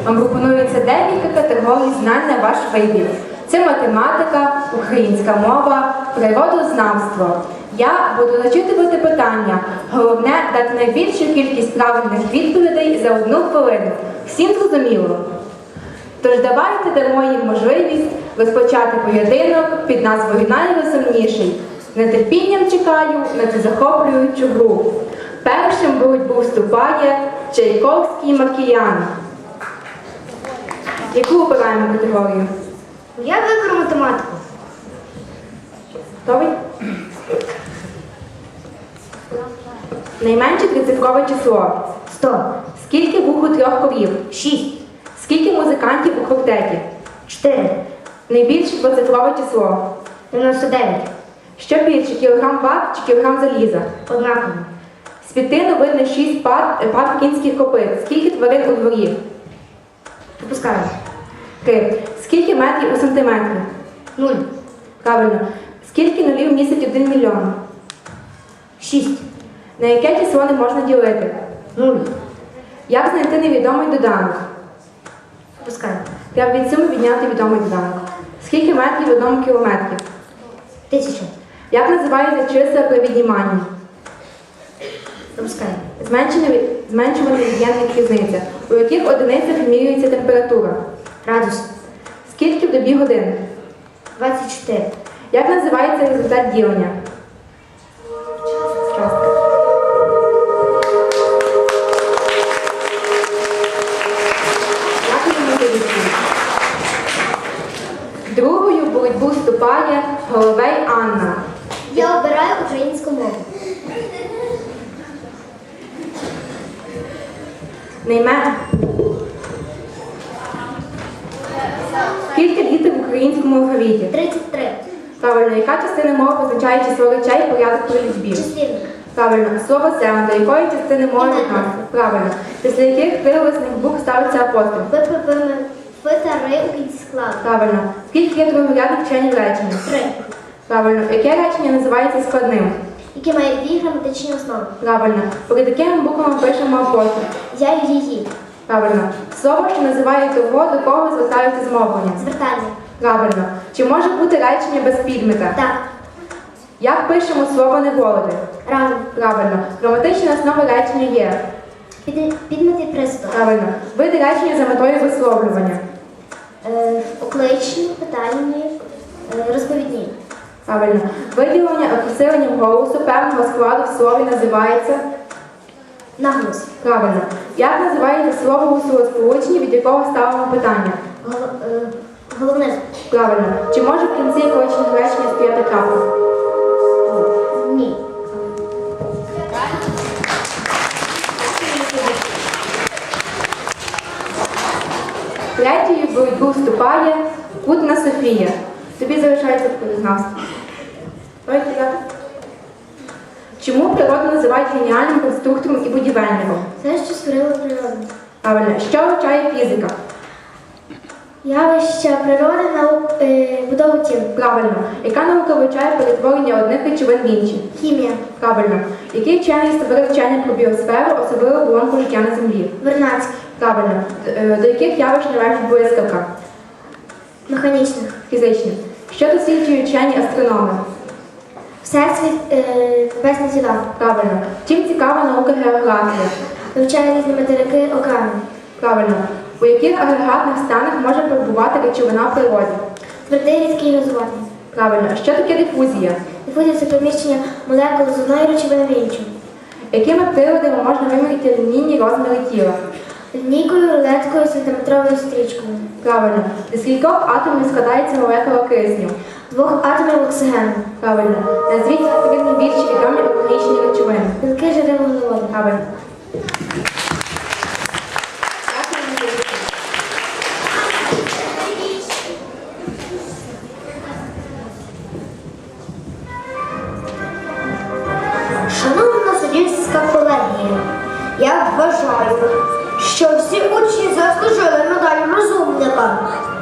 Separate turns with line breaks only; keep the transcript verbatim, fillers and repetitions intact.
вам пропонується декілька категорій знань на ваш вибір. Це математика, українська мова, природознавство. Я буду зачитувати питання. Головне – дати найбільшу кількість правильних відповідей за одну хвилину. Всім зрозуміло? Тож давайте дамо їм можливість розпочати поєдинок під назвою «Найрозумніший». З нетерпінням чекаю на цю захоплюючу гру. Першим в боротьбу вступає Чайковський Маркіян. Яку обираємо категорію?
Я виберу математику.
Готовий? Найменше трицифрове число.
сто.
Скільки вух у трьох корів?
шість.
Скільки музикантів у квартеті?
чотири.
Найбільше двоцифрове число.
дев'яносто дев'ять.
Що більше, кілограм ват чи кілограм заліза?
Однаково.
З п'яти видно шість пар, пар кінських копит. Скільки тварин у дворі?
Пропускаю.
Три. Скільки метрів у сантиметрі?
нуль.
Правильно. Скільки нулів містить один мільйон?
шість.
На яке число не можна ділити?
нуль.
Як знайти невідомий доданок?
Пропускаю.
Треба від суми відняти відомий доданок. Скільки метрів в одному кілометрі?
Тисяча.
Як називається числа при відніманні?
Пропускаю.
Зменшення від- Зменшувана від'ємник різниця. У яких одиницях вимірюється температура?
Градус.
Скільки в добі годин?
двадцять чотири.
Як називається результат ділення? Частка. Дякуємо за відповідь. Другою в боротьбу вступає Головей Анна.
Я обираю українську мову.
Найме... Скільки літер в українському алфавіті?
тридцять три.
Правильно, яка частина мови позначає число речей і порядок при лічбі?
Числівник.
Правильно, слово «зелень» до якої частини мови
Іменник.
відноситься? Правильно. Після яких приголосних букв ставиться апостроф?
Фи та ри у кінці складу.
Правильно. Скільки є другорядних членів речення?
Три.
Правильно. Яке речення називається складним?
Які має дві граматичні основи.
Правильно. Перед якими буквами пишемо апостроф?
Я і її.
Правильно. Слово, що називає того, до кого звертаються змовлення?
Звертання.
Правильно. Чи може бути речення без підмета?
Так.
Як пишемо слово «неволоди»?
Разом.
Правильно. Граматична основа речення є.
Під, підмет і приступ.
Правильно. Види речення за метою висловлювання.
Е, окличні, питальні, е, розповідні.
Правильно. Виділення або посиленням голосу певного складу в слові називається.
Наголос.
Правильно. Як називається слово у словосполученні, від якого ставимо питання?
Гол, е, головне.
Правильно. Чи може в кінці количних речення стояти крапка?
Ні.
Третьою в боротьбу вступає Кутна Софія. Тобі залишається природознавство. Ой, я. Чому природу називають геніальним конструктором і будівельником?
Це, що створила природа.
Правильно. Що вивчає фізика?
Явища природи, наук, е, будову тіла.
Правильно. Яка наука вивчає перетворення одних речовин в інші?
Хімія.
Правильно. Який вчений створив вчення про біосферу, особливо оболонку життя на землі?
Вернадський.
Правильно. Е, До яких явищ належить блискавка?
Механічних.
Фізичних. Що досліджують вчені астрономи?
Всесвіт, е, небесні тіла.
Правильно. Чим цікава наука географія?
Вивчає різні материки, океани.
Правильно. У яких агрегатних станах може перебувати речовина в природі?
Твердий, рідкий і газований.
Правильно. Що таке дифузія?
Дифузія – це переміщення молекул з одної речовини в іншу.
Якими приладами можна виміряти лінійні розміри тіла?
Лінійкою, рулеткою, сантиметровою стрічкою.
Правильно. Зі скількох атомів складається молекула кисню?
Двох атомів оксигену.
Правильно. Назвіть три найбільш відомі органічні речовини.
Білки, жири, вуглеводи.
Правильно.
Шановна суддівська колегія, я вважаю, що всі учні заслужили медаль розумника.